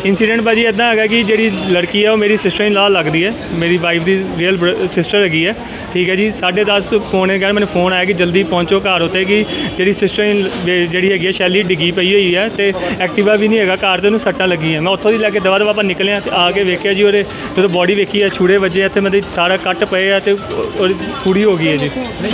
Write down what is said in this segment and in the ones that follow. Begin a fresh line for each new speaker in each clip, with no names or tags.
Incident भाजी इदा है कि जी लड़की है वो मेरी सिस्टर इन लॉ लगती है, मेरी वाइफ की रियल सिस्टर हैगी है। ठीक है जी, 10:30 पौने 11 मैंने फोन आया कि जल्दी पहुँचो घर उत्ते कि जी सिस्टर इन जी हैगी शैली डिग्गी पई हुई है तो एक्टिवा भी नहीं है घर, तो सट्टां लगी हैं। मैं उत्थों दी लैके दवा दवा आप निकले तो आके वेख्या जी, और जो बॉडी वेखी है छुरे वजे इतने मतलब सारा कट पे है तो पूरी हो गई है जी।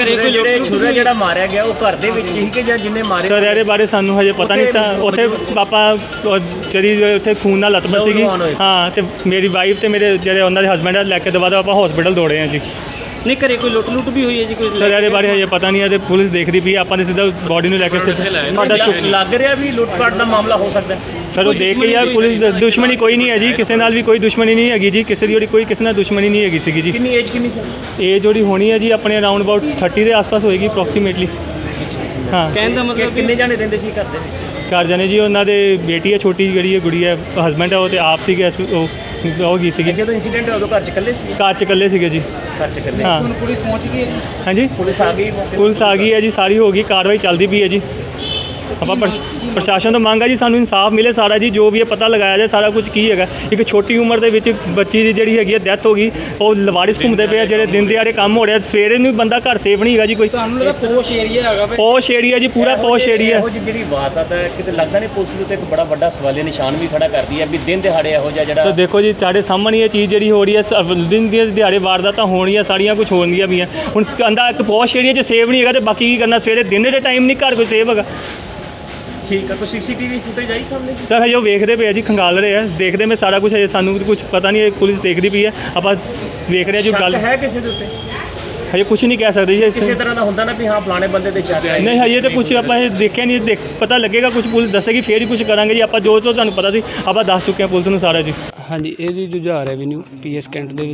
सर ये बारे सानू हजे पता नहीं सा, उत्थे पापा जी उत्थे खून नाल लत बसी गई। हाँ, तो मेरी वाइफ तो मेरे जो उन्होंने हसबैंड लैके दवा दवा आप हॉस्पिटल दौड़े हैं जी।
नहीं घरे कोई लुट लुट भी हुई है जी कोई?
सर ये बारे हजे पता नहीं है, तो पुलिस देख रही पई है, आपां सीधा बॉडी में लैके
लग रहा भी लुटपाट का मामला हो सकता है
सर। वो देख के यार पुलिस दुश्मनी कोई नहीं है जी, किसी नाल भी कोई दुश्मनी नहीं हैगी जी, किसी की कोई किसी नाल दुश्मनी नहीं हैगी सी जी।
कितनी एज कितनी सर?
एज जोड़ी होनी है जी अपने अराउंड अबाउट 30 के आस पास होएगी अप्रॉक्सीमेटली। हाँ,
कहने का मतलब कितने जाने रहंदे सी घर दे विच?
घर जाने जी उन्होंने बेटी है छोटी जी गुड़ी है, हसबैंड है वो तो आप सीगे गई सी।
जो इंसीडेंट होया घर च कल्ले सी?
घर च कल्ले सीगे जी।
घर च कल्ले।
हाँ,
पुलिस पहुंच गई है?
हाँ जी,
पुलिस आ गई?
पुलिस आ गई है जी, सारी हो गई, कार्रवाई चलती पई है जी। आप प्रशासन तो मंग है जी सानू इंसाफ मिले सारा जी, जो भी है पता लगाया जाए सारा कुछ की है। एक छोटी उम्र के बच्ची की जी हैगी डेथ हो गई, वो लवारिस घूमते पे जो दिन दिहाड़े काम हो रहा, सवेरे भी बंदा घर सेफ नहीं है जी। कोई
पोश
एरिया जी, पूरा पोश एरिया
जी। बात आता है कि लगता नहीं पुलिस के एक बड़ा बड़ा सवालिया निशान भी खड़ा कर दी है भी दिन दिहाड़े हो जाए।
तो देखो जी साढ़े सामने ये चीज़ जी हो रही है, दिन दिहाड़े वारदात होनिया सारिया कुछ होंदियां भी हैं। हुण कहता एक पोश एरिया सेफ नहीं है तो बाकी की करना, सवेरे दिन के टाइम नहीं घर कोई सेफ है।
ठीक है, तो सीसीटीवी फुटेज आई सामने?
सर हजे वेखते पे जी, खंगाल रहे हैं, देखते मैं सारा कुछ हजे सानू कुछ पता नहीं है, पुलिस देखती पई है, आप देख रहे हैं जो गल
है किसी दे उत्ते
हजे कुछ नहीं कह सकते जी।
किसी तरह का होंदा ना भी हाँ फलाने बंदे ते शक है?
नहीं हजे तो कुछ आप देखा नहीं, पता लगेगा कुछ पुलिस दसेगी फिर ही कुछ करांगे जी। आप जो सानू पता सी आप दस चुके हैं पुलिस नूं सारा जी।
हाँ जी, ये जुझार रेवन्यू PS कैंट ਦੇ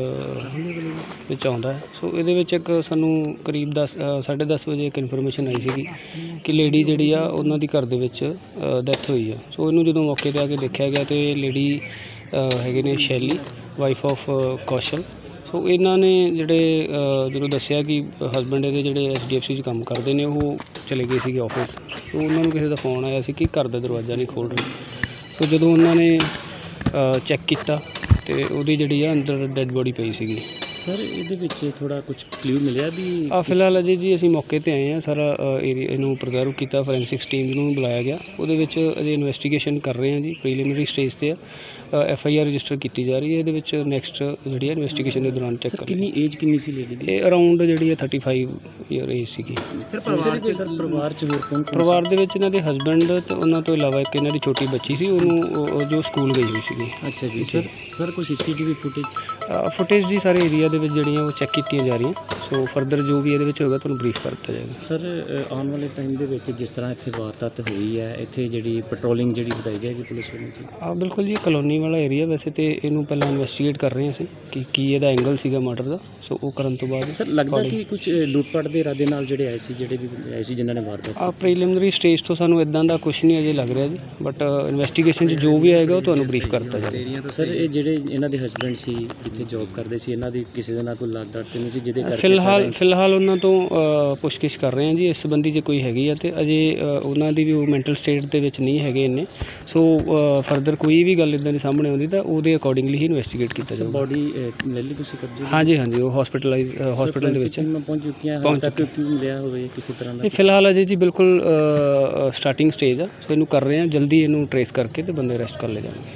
ਵਿੱਚ ਆਉਂਦਾ ਹੈ। ਸੋ ਇਹਦੇ ਵਿੱਚ ਇੱਕ ਸਾਨੂੰ ਕਰੀਬ 10:30 ਵਜੇ ਇੱਕ ਇਨਫੋਰਮੇਸ਼ਨ ਆਈ ਸੀਗੀ ਕਿ ਲੇਡੀ ਜਿਹੜੀ ਆ ਉਹਨਾਂ ਦੀ ਘਰ ਦੇ ਵਿੱਚ ਡੈਥ ਹੋਈ ਆ। ਸੋ ਇਹਨੂੰ ਜਦੋਂ ਮੌਕੇ 'ਤੇ ਆ ਕੇ ਦੇਖਿਆ ਗਿਆ ਤੇ ਲੇਡੀ ਹੈਗੇ ਨੇ ਸ਼ੈਲੀ, ਵਾਈਫ ਆਫ ਕੌਸ਼ਲ। ਸੋ ਇਹਨਾਂ ਨੇ ਜਿਹੜੇ ਜਦੋਂ ਦੱਸਿਆ ਕਿ ਹਸਬੈਂਡ ਇਹਦੇ ਜਿਹੜੇ HDFC 'ਚ ਕੰਮ ਕਰਦੇ ਨੇ ਉਹ ਚਲੇ ਗਏ ਸੀਗੇ ਆਫਿਸ। ਸੋ ਉਹਨਾਂ ਨੂੰ ਕਿਸੇ ਦਾ ਫੋਨ ਆਇਆ ਸੀ ਕਿ ਘਰ ਦਾ ਦਰਵਾਜ਼ਾ ਨਹੀਂ ਖੋਲ੍ਹ ਰਹੇ। ਸੋ ਜਦੋਂ ਉਹਨਾਂ ਨੇ ਚੈੱਕ ਕੀਤਾ ਤੇ ਉਹਦੀ ਜਿਹੜੀ ਆ ਅੰਦਰ ਡੈੱਡ ਬੋਡੀ ਪਈ ਸੀਗੀ।
ਸਰ ਇਹਦੇ ਵਿੱਚ ਥੋੜਾ ਕੁਝ ਕਲੂ ਮਿਲਿਆ ਵੀ?
ਫਿਲਹਾਲ ਅਜੇ ਜੀ ਅਸੀਂ ਮੌਕੇ 'ਤੇ ਆਏ ਹਾਂ, ਸਾਰਾ ਏਰੀਆ ਇਹਨੂੰ ਪ੍ਰੀਜ਼ਰਵ ਕੀਤਾ, ਫੋਰੈਂਸਿਕਸ ਟੀਮ ਨੂੰ ਬੁਲਾਇਆ ਗਿਆ। ਉਹਦੇ ਵਿੱਚ ਅਜੇ ਇਨਵੈਸਟੀਗੇਸ਼ਨ ਕਰ ਰਹੇ ਹਾਂ ਜੀ, ਪ੍ਰੀਲਿਮਿਨਰੀ ਸਟੇਜ 'ਤੇ ਆ। FIR ਰਜਿਸਟਰ ਕੀਤੀ ਜਾ ਰਹੀ ਹੈ। ਇਹਦੇ ਵਿੱਚ ਨੈਕਸਟ ਜਿਹੜੀ ਹੈ ਇਨਵੈਸਟੀਗੇਸ਼ਨ ਦੇ ਦੌਰਾਨ ਚੈੱਕ ਕਰ।
ਕਿੰਨੀ ਏਜ ਕਿੰਨੀ ਸੀ ਲੇਡੀ ਦੀ?
ਇਹ ਅਰਾਊਂਡ ਜਿਹੜੀ ਹੈ 35 ਈਅਰ ਏਜ ਸੀਗੀ।
ਸਰ ਪਰਿਵਾਰ 'ਚ ਹੋਰ ਕੌਣ?
ਪਰਿਵਾਰ ਦੇ ਵਿੱਚ ਇਹਨਾਂ ਦੇ ਹਸਬੈਂਡ ਤੇ ਉਹਨਾਂ ਤੋਂ ਇਲਾਵਾ ਇੱਕ ਇਹਨਾਂ ਦੀ ਛੋਟੀ ਬੱਚੀ ਸੀ, ਉਹਨੂੰ ਜੋ ਸਕੂਲ ਗਈ ਹੋਈ ਸੀਗੀ।
ਅੱਛਾ ਜੀ। ਸਰ ਕੋਈ CCTV
ਫੁਟੇਜ ਜੀ ਸਾਰੇ ਏਰੀਆ ਦੇ ਵਿੱਚ ਜਿਹੜੀਆਂ ਉਹ ਚੈੱਕ ਕੀਤੀਆਂ ਜਾ ਰਹੀਆਂ। ਸੋ ਫਰਦਰ ਜੋ ਵੀ ਇਹਦੇ ਵਿੱਚ ਹੋਏਗਾ ਤੁਹਾਨੂੰ ਬਰੀਫ ਕਰ ਦਿੱਤਾ ਜਾਏਗਾ।
ਸਰ ਆਉਣ ਵਾਲੇ ਟਾਈਮ ਦੇ ਵਿੱਚ ਜਿਸ ਤਰ੍ਹਾਂ ਇੱਥੇ ਵਾਰਦਾਤ ਹੋਈ ਹੈ, ਇੱਥੇ ਜਿਹੜੀ ਪੈਟਰੋਲਿੰਗ ਜਿਹੜੀ ਵਧਾਈ ਜਾਏਗੀ ਪੁਲਿਸ ਵੱਲੋਂ ਜੀ?
ਬਿਲਕੁਲ ਜੀ, ਕਲੋਨੀ ਵਾਲਾ ਏਰੀਆ ਵੈਸੇ ਤੇ ਇਹਨੂੰ ਪਹਿਲਾਂ ਇਨਵੈਸਟੀਗੇਟ ਕਰ ਰਹੇ ਅਸੀਂ ਕਿ ਕੀ ਇਹਦਾ ਐਂਗਲ ਸੀਗਾ ਮਰਡਰ ਦਾ। ਸੋ ਉਹ ਕਰਨ ਤੋਂ ਬਾਅਦ
ਸਰ ਲੱਗਦਾ ਕਿ ਕੁਝ ਲੁੱਟਪਾਟ ਦੇ ਇਰਾਦੇ ਨਾਲ ਜਿਹੜੇ ਆਏ ਸੀ, ਜਿਹੜੇ ਵੀ ਆਏ ਸੀ ਜਿਨ੍ਹਾਂ ਨੇ ਵਾਰਦਾਤ?
ਪ੍ਰੀਲਿਮਿਨਰੀ ਸਟੇਜ ਤੋਂ ਸਾਨੂੰ ਇਦਾਂ ਦਾ ਕੁਝ ਨਹੀਂ ਅਜੇ ਲੱਗ ਰਿਹਾ ਜੀ, ਬਟ ਇਨਵੈਸਟੀਗੇਸ਼ਨ 'ਚ ਜੋ ਵੀ ਆਏਗਾ ਉਹ ਤੁਹਾਨੂੰ ਬਰੀਫ ਕਰ ਦਿੱਤਾ ਜਾਏਗਾ।
ਸਰ ਇਹ ਜਿਹੜੇ ਇਹਨਾਂ ਦੇ ਹਸਬੈਂਡ ਸੀ ਜਿੱਥੇ ਜੌਬ ਕਰਦੇ ਸੀ, ਇਹਨਾਂ ਦੀ ਕਿਸੇ ਦੇ ਨਾਲ ਕੋਈ ਲਾਗ ਡਾਟ ਤੇ ਨਹੀਂ ਸੀ ਜਿਹਦੇ ਕਰਕੇ?
ਫਿਲਹਾਲ ਉਹਨਾਂ ਤੋਂ ਪੁੱਛਗਿੱਛ ਕਰ ਰਹੇ ਹਾਂ ਜੀ। ਇਸ ਸੰਬੰਧੀ ਜੇ ਕੋਈ ਹੈਗੀ ਆ ਤੇ ਅਜੇ ਉਹਨਾਂ ਦੀ ਵੀ ਉਹ ਮੈਂਟਲ ਸਟੇਟ ਦੇ ਵਿੱਚ ਨਹੀਂ ਹੈਗੇ ਇੰਨੇ। ਸੋ ਫਰਦਰ ਕੋਈ ਵੀ ਗੱਲ ਇੱਦਾਂ ਦੀ ਸਾਹਮਣੇ ਆਉਂਦੀ ਤਾਂ ਉਹਦੇ ਅਕੋਰਡਿੰਗਲੀ ਹੀ ਇਨਵੈਸਟੀਗੇਟ ਕੀਤਾ ਜਾਊਗਾ।
ਬੋਡੀ ਲੈ ਲਈ ਤੁਸੀਂ ਕਬਜ਼ੇ?
ਹਾਂਜੀ, ਉਹ ਹਸਪੀਟਲ ਦੇ ਵਿੱਚ
ਪਹੁੰਚ ਚੁੱਕੀਆਂ? ਮਿਲਿਆ ਹੋਵੇ ਕਿਸੇ ਤਰ੍ਹਾਂ ਦਾ?
ਫਿਲਹਾਲ ਅਜੇ ਜੀ ਬਿਲਕੁਲ ਸਟਾਰਟਿੰਗ ਸਟੇਜ ਆ। ਸੋ ਇਹਨੂੰ ਕਰ ਰਹੇ ਹਾਂ, ਜਲਦੀ ਇਹਨੂੰ ਟਰੇਸ ਕਰਕੇ ਤੇ ਬੰਦੇ ਅਰੈਸਟ ਕਰ ਲਏ ਜਾਣਗੇ।